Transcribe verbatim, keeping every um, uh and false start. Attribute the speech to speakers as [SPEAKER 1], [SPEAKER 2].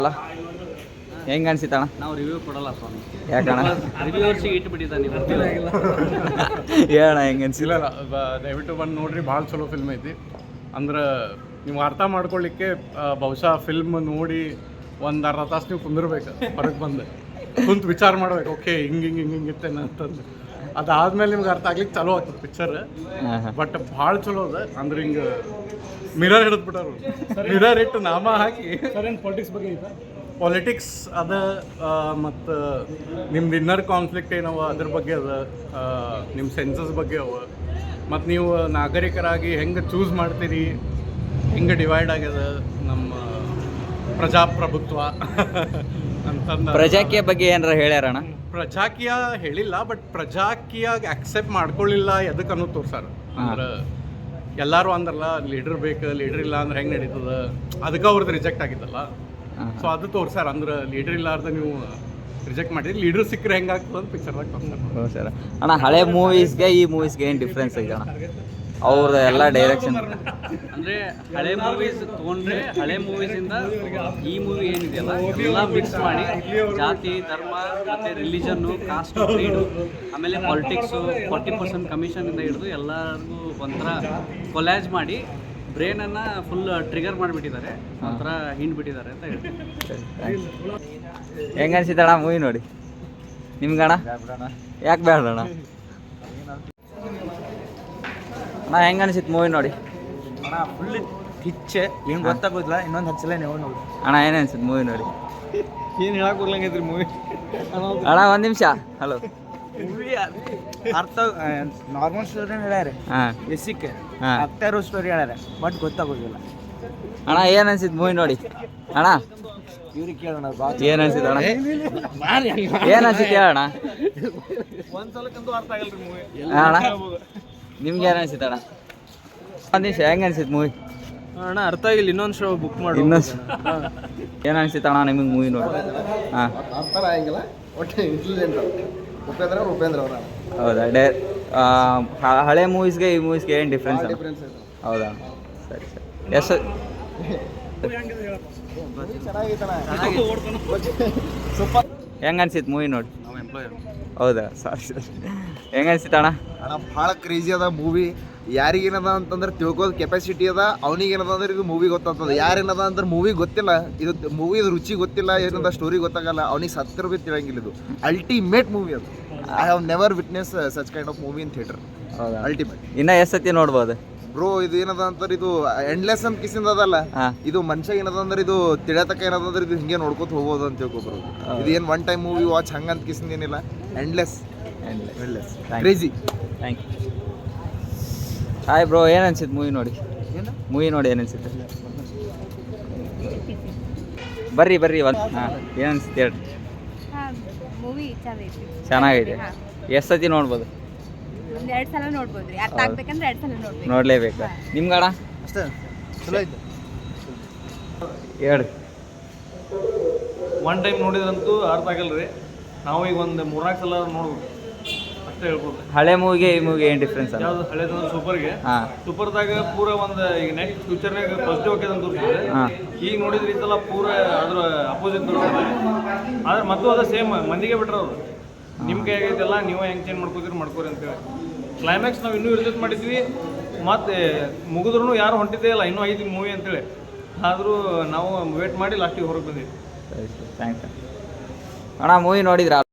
[SPEAKER 1] ಹೆಂಗೆ ಅನ್ಸಿತಣ್ಣ?
[SPEAKER 2] ನಾವು ರಿವ್ಯೂ ಕೊಡಲ್ಲ ಸ್ವಾಮಿ.
[SPEAKER 1] ಯಾಕಣ್ಣ?
[SPEAKER 2] ರಿವ್ಯೂವರ್ಸಿಗೆ ಇಟ್ಬಿಟ್ಟಿದ್ದಾನೆ ನೀವು.
[SPEAKER 1] ಹೇಳಣ್ಣ ಹೆಂಗೆ ಅನ್ಸಿಲ್ಲ?
[SPEAKER 3] ದಯವಿಟ್ಟು ಬಂದು ನೋಡ್ರಿ, ಭಾಳ ಚಲೋ ಫಿಲ್ಮ್ ಐತಿ. ಅಂದ್ರೆ ನೀವು ಅರ್ಥ ಮಾಡ್ಕೊಳ್ಳಿಕ್ಕೆ ಬಹುಶಃ ಫಿಲ್ಮ್ ನೋಡಿ ಒಂದು ಅರ್ಧ ತಾಸು ನೀವು ಕುಂದಿರ್ಬೇಕು, ಹೊರಗೆ ಬಂದು ಕುಂತು ವಿಚಾರ ಮಾಡ್ಬೇಕು. ಓಕೆ ಹಿಂಗೆ ಹಿಂಗೆ ಹಿಂಗೆ ಹಿಂಗಿತ್ತೇನೆ ಅಂತಂದು ಅದಾದ್ಮೇಲೆ ನಿಮ್ಗೆ ಅರ್ಥ ಆಗ್ಲಿಕ್ಕೆ ಚಲೋ ಆಗ್ತದೆ ಪಿಕ್ಚರ್. ಬಟ್ ಭಾಳ ಚಲೋ ಅದ. ಅಂದ್ರೆ ಹಿಂಗೆ ಮಿರರ್ ಹಿಡಿದ್ಬಿಟ್ಟಾರು, ಮಿರರ್ ಇಟ್ಟು ನಾಮ ಹಾಕಿ
[SPEAKER 4] ಪಾಲಿಟಿಕ್ಸ್ ಬಗ್ಗೆ ಐತಾ?
[SPEAKER 3] ಪಾಲಿಟಿಕ್ಸ್ ಅದ, ಮತ್ತು ನಿಮ್ದು ಇನ್ನರ್ ಕಾನ್ಫ್ಲಿಕ್ಟ್ ಏನವ ಅದ್ರ ಬಗ್ಗೆ ಅದ, ನಿಮ್ಮ ಸೆನ್ಸಸ್ ಬಗ್ಗೆ ಅವ, ಮತ್ತು ನೀವು ನಾಗರಿಕರಾಗಿ ಹೆಂಗೆ ಚೂಸ್ ಮಾಡ್ತೀರಿ, ಹೆಂಗೆ ಡಿವೈಡ್ ಆಗ್ಯದ ನಮ್ಮ ಪ್ರಜಾಪ್ರಭುತ್ವ ಅಂತಂದ.
[SPEAKER 1] ಪ್ರಜಾಕೀಯ ಬಗ್ಗೆ ಏನಾರ ಹೇಳ್ಯಾರಣ್ಣ?
[SPEAKER 3] ಪ್ರಜಾಕೀಯ ಹೇಳಿಲ್ಲ, ಬಟ್ ಪ್ರಜಾಕೀಯ ಆಕ್ಸೆಪ್ಟ್ ಮಾಡ್ಕೊಳ್ಳಿಲ್ಲ ಎದಕ್ಕೆ ಅನ್ನೋದು ತೋರ್ಸಾರ. ಅಂದ್ರೆ ಎಲ್ಲರೂ ಅಂದ್ರಲ್ಲ ಲೀಡರ್ ಬೇಕು, ಲೀಡರ್ ಇಲ್ಲ ಅಂದ್ರೆ ಹೆಂಗೆ ನಡೀತದ, ಅದಕ್ಕೆ ಅವ್ರದ್ದು ರಿಜೆಕ್ಟ್ ಆಗಿದ್ದಲ್ಲ. ಸೊ ಅದು ತೋರ್ಸಾರ. ಅಂದ್ರೆ ಲೀಡರ್ ಇಲ್ಲಾರ್ದ ನೀವು ರಿಜೆಕ್ಟ್ ಮಾಡಿದ್ರಿ, ಲೀಡರ್ ಸಿಕ್ಕರೆ ಹೆಂಗಾಗ್ತದೆ ಅಂತ ಪಿಕ್ಚರ್ದಾಗ ತೋರ್ಸಾರ.
[SPEAKER 1] ಹ್ಞೂ ಸರ್. ಅಣ್ಣ ಹಳೆ ಮೂವೀಸ್ಗೆ ಈ ಮೂವೀಸ್ಗೆ ಏನು ಡಿಫ್ರೆನ್ಸ್ ಐತೆ ಅಣ್ಣ? ಅವ್ರ ಎಲ್ಲ ಡೈರೆಕ್ಷನ್
[SPEAKER 2] ಅಂದರೆ ಹಳೆ ಮೂವೀಸ್ ತೊಗೊಂಡ್ರೆ ಹಳೆ ಮೂವೀಸಿಂದ ಈ ಮೂವಿ ಏನಿದೆಯಲ್ಲ ಎಲ್ಲ ಮಿಕ್ಸ್ ಮಾಡಿ ಜಾತಿ, ಧರ್ಮ, ಮತ್ತು ರಿಲಿಜನ್ನು, ಕಾಸ್ಟ್, ಕ್ರೀಡು, ಆಮೇಲೆ ಪಾಲಿಟಿಕ್ಸು, ಫಾರ್ಟಿ ಪರ್ಸೆಂಟ್ ಕಮಿಷನಿಂದ ಹಿಡಿದು ಎಲ್ಲರಿಗೂ ಒಂಥರ ಕೊಲ್ಯಾಜ್ ಮಾಡಿ ಬ್ರೈನನ್ನು ಫುಲ್ ಟ್ರಿಗರ್ ಮಾಡಿಬಿಟ್ಟಿದ್ದಾರೆ, ಒಂಥರ ಹಿಂಡ್ಬಿಟ್ಟಿದ್ದಾರೆ ಅಂತ ಹೇಳಿ.
[SPEAKER 1] ಹೆಂಗೆ ಅನ್ಸಿತಣ್ಣ ಮೂವಿ ನೋಡಿ ನಿಮ್ಗಣ್ಣ? ಯಾಕೆ ಬೇಡ ಅಣ್ಣ? ಅಣ್ಣ ಹೆಂಗೆ ಅನ್ಸಿತ್ತು ಮೂವಿ ನೋಡಿ?
[SPEAKER 4] ಅಣ್ಣ ಫುಲ್ ಕಿಚ್ಚೆ, ಏನು ಗೊತ್ತಾಗೋದಿಲ್ಲ. ಇನ್ನೊಂದು ಹತ್ತು ಸಲ ನೀವು ನೋಡಿ
[SPEAKER 1] ಅಣ್ಣ ಏನು ಅನ್ಸಿತ್ತು ಮೂವಿ ನೋಡಿ?
[SPEAKER 4] ಏನು ಹೇಳಕ್ಕೆ ಬರ್ಲಂಗೈತ್ರಿ ಮೂವಿ.
[SPEAKER 1] ಅಣ್ಣ ಒಂದು ನಿಮಿಷ. ಹಲೋ.
[SPEAKER 4] ಮೂವಿ ಅರ್ಥ ನಾರ್ಮಲ್ ಸ್ಟೋರಿ ಹೇಳ್ಯಾರ,
[SPEAKER 1] ಹಾಂ
[SPEAKER 4] ಬೇಸಿಕ್
[SPEAKER 1] ಹಾಂ
[SPEAKER 4] ಅರ್ಥ ಇರೋ ಸ್ಟೋರಿ ಹೇಳ್ಯಾರ, ಬಟ್ ಗೊತ್ತಾಗೋದಿಲ್ಲ.
[SPEAKER 1] ಅಣ್ಣ ಏನು ಅನ್ಸಿತ್ತು ಮೂವಿ ನೋಡಿ? ಅಣ್ಣ
[SPEAKER 4] ಇವ್ರಿಗೆ ಕೇಳೋಣ.
[SPEAKER 1] ಏನು ಅನ್ಸಿತ್ತು ಅಣ್ಣ? ಏನು ಅನ್ಸಿತ್ತು ಹೇಳಣ್ಣ?
[SPEAKER 4] ಒಂದು ಸಲಕ್ಕಂತೂ ಅರ್ಥ ಆಗಲ್ರಿ ಮೂವಿ.
[SPEAKER 1] ಅಣ್ಣ ನಿಮ್ಗೆ ಏನು ಅನ್ಸಿತ್ತು ಅಣ್ಣ? ಒಂದು ನಿಮಿಷ. ಹೆಂಗೆ ಅನ್ಸಿತ್ತು ಮೂವಿ?
[SPEAKER 4] ಅಣ್ಣ ಅರ್ಥ ಆಗಿಲ್ಲ, ಇನ್ನೊಂದು ಶೋ ಬುಕ್ ಮಾಡಿ.
[SPEAKER 1] ಇನ್ನೊಂದು ಏನು ಅನ್ಸಿತ್ತು ಅಣ್ಣ ನಿಮಗೆ ಮೂವಿ ನೋಡಿ? ಹಾಂ
[SPEAKER 5] ಅರ್ಥ ಆಗಿಲ್ಲ, ಒಟ್ಟು ಇಂಟೆಲಿಜೆಂಟ್ ಉಪೇಂದ್ರ ಉಪೇಂದ್ರ ಅವರ.
[SPEAKER 1] ಹೌದಾ? ಡೇ ಹಳೆ ಮೂವೀಸ್ಗೆ ಈ ಮೂವೀಸ್ಗೆ ಏನು ಡಿಫ್ರೆನ್ಸ್?
[SPEAKER 5] ಡಿಫ್ರೆನ್ಸ್ ಇದೆ.
[SPEAKER 1] ಹೌದಾ? ಸರಿ ಸರಿ. ಎಷ್ಟು
[SPEAKER 5] ಸೂಪರ್.
[SPEAKER 1] ಹೆಂಗೆ ಅನ್ಸಿತ್ತು ಮೂವಿ ನೋಡಿ? ಹೌದಾ? ಸಾರಿ ಸರಿ. ಹೆಂಗೆ ಅನ್ಸಿತ್ತು ಅಣ್ಣ?
[SPEAKER 5] ಅಣ್ಣ ಭಾಳ ಕ್ರೇಜಿ ಅದ ಮೂವಿ. ಯಾರಿಗೇನದ ಅಂತಂದ್ರೆ ತಿಳ್ಕೋದು ಕೆಪಾಸಿಟಿ ಅದ, ಅವನಿಗೇನದ ಅಂದ್ರೆ ಇದು ಮೂವಿ ಗೊತ್ತಾಗ್ತದೆ. ಯಾರೇನದ ಅಂದ್ರೆ ಮೂವಿ ಗೊತ್ತಿಲ್ಲ, ಇದು ಮೂವಿ ರುಚಿ ಗೊತ್ತಿಲ್ಲ, ಏನದ ಸ್ಟೋರಿ ಗೊತ್ತಾಗಲ್ಲ, ಅವ್ನಿಗೆ ಸತ್ತರ ಬಿ ತಿಳಂಗಿಲ್ಲ. ಇದು ಅಲ್ಟಿಮೇಟ್ ಮೂವಿ ಅದು. I have never witness such kind of movie in theatre.
[SPEAKER 1] ಹೌದಾ?
[SPEAKER 5] ಅಲ್ಟಿಮೇಟ್.
[SPEAKER 1] ಇನ್ನೂ ಎಷ್ಟು ಸತಿ ನೋಡ್ಬೋದು
[SPEAKER 5] ಬ್ರೋ? ಇದು ಏನದ ಅಂತಾರೆ, ಇದು ಎಂಡ್ಲೆಸ್ ಅಂತ ಕಿಸಿಂದ ಅದಲ್ಲ. ಇದು ಮನುಷ್ಯ ಏನದ ಅಂದ್ರೆ ಇದು ತಿಳಿಯತಕ್ಕ ಏನದ ಅಂದ್ರೆ ಇದು ಹಿಂಗೆ ನೋಡ್ಕೊತ ಹೋಗ್ಬೋದು ಅಂತ ತಿಳ್ಕೊಬ್ರು. ಇದು ಏನು ಒನ್ ಟೈಮ್ ಮೂವಿ ವಾಚ್ ಹಂಗಂತ ಕಿಸಿಂದ ಏನಿಲ್ಲ. Endless endless crazy.
[SPEAKER 1] Thank you. Hi bro, ಏನು ಅನ್ಸಿತ್ತು ಮೂವಿ ನೋಡಿ? ಮೂವಿ ನೋಡಿ ಏನು ಅನ್ಸಿತ್ತು? ಬರ್ರಿ ಬರ್ರಿ ಒಂದು. ಹಾಂ ಏನು ಅನ್ಸಿತ್ತು ಹೇಳ್ರಿ.
[SPEAKER 6] ಮೂವಿ ಚೆನ್ನಾಗೈತಿ.
[SPEAKER 1] ಚೆನ್ನಾಗೈತೆ. ಎಷ್ಟು ಸತಿ ನೋಡ್ಬೋದು?
[SPEAKER 6] ಒಂದು ಎರಡು ಸಲ ನೋಡ್ಬೋದ್ರಿ. ಅರ್ಥ ಆಗ್ಬೇಕಂದ್ರೆ ಎರಡು ಸಲ ನೋಡ್ಬೇಕು.
[SPEAKER 1] ನೋಡಲೇಬೇಕು. ನಿಮ್ಗಣ
[SPEAKER 5] ಅಷ್ಟೇ ಚಲೋ ಐತೆ.
[SPEAKER 1] ಹೇಳಿ.
[SPEAKER 4] ಒನ್ ಟೈಮ್ ನೋಡಿದ್ರಂತೂ ಅರ್ಥ ಆಗಲ್ಲ ರೀ. ನಾವು ಈಗ ಒಂದು ಮೂರ್ನಾಲ್ಕು ಸಲ ನೋಡ್ಬೋದು ಅಷ್ಟೇ ಹೇಳ್ಬೋದು.
[SPEAKER 1] ಹಳೆ ಮೂವಿಗೆ ಈ ಮೂವಿಗೆ ಏನು ಡಿಫ್ರೆನ್ಸ್?
[SPEAKER 4] ಯಾವ್ದು ಹಳೇದಂದ್ರೆ ಸೂಪರ್ಗೆ.
[SPEAKER 1] ಹಾಂ
[SPEAKER 4] ಸೂಪರ್ದಾಗ ಪೂರ ಒಂದು ಈಗ ನೆಕ್ಸ್ಟ್ ಫ್ಯೂಚರ್ನಾಗ ಪಾಸಿಟಿವ್ ಆಗಿದೆ ಅಂತ ತೋರಿಸಿದ್ರೆ,
[SPEAKER 1] ಹಾಂ
[SPEAKER 4] ಈಗ ನೋಡಿದ್ರೆ ಇದೆಲ್ಲ ಪೂರ ಅದ್ರ ಅಪೋಸಿಟ್ ತೋರಿಸಿದ್ರೆ. ಆದ್ರೆ ಮತ್ತು ಅದು ಸೇಮ್ ಮಂದಿಗೆ ಬಿಟ್ರೆ ಅವರು ನಿಮ್ಮ ಕೈ ಆಗೈತೆಲ್ಲ, ನೀವು ಹೆಂಗೆ ಚೇಂಜ್ ಮಾಡ್ಕೋತೀರಿ ಮಾಡ್ಕೋರಿ ಅಂತೇಳಿ. ಕ್ಲೈಮ್ಯಾಕ್ಸ್ ನಾವು ಇನ್ನೂ ಇರ್ಜೆಕ್ಟ್ ಮಾಡಿದ್ವಿ, ಮತ್ತು ಮುಗಿದ್ರೂ ಯಾರು ಹೊಂಟಿದ್ದೇ ಇಲ್ಲ, ಇನ್ನೂ ಐದು ಮೂವಿ ಅಂತೇಳಿ. ಆದರೂ ನಾವು ವೇಟ್ ಮಾಡಿ ಲಾಸ್ಟಿಗೆ ಹೊರಗೆ ಬಂದಿದ್ವಿ.
[SPEAKER 1] ಸರಿ ಸರಿ. ಥ್ಯಾಂಕ್ಸ್ ಅಣ್ಣ. ಮೂವಿ ನೋಡಿದ್ರಾ?